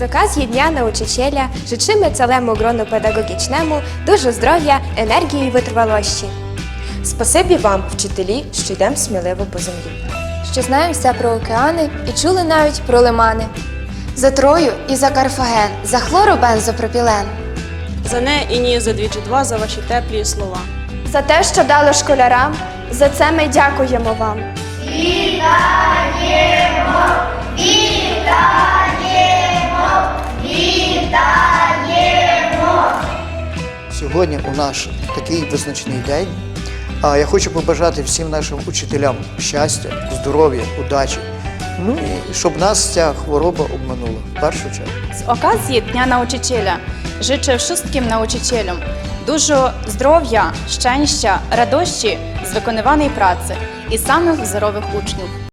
okazji Dnia Nauczyciela życzymy całemu gronu pedagogічному dużo zdrow'я, енергії і витривалості. Спасибі вам, вчителі, що йдемо сміливо по землі. Що знаємо все про океани і чули навіть про лимани. За Трою і за Карфаген, за хлоробензопропілен. За не і ні, за двічі два, за ваші теплі слова. За те, що дали школярам, за це ми дякуємо вам. Сьогодні у наш такий визначний день. Я хочу побажати всім нашим учителям щастя, здоров'я, удачі. Ну і щоб нас ця хвороба обманула в першу чергу. Z okazji Dnia Nauczyciela życzę wszystkim nauczycielom dużo zdrowia, szczęścia, radości z wykonywanej pracy i samych wzorowych uczniów.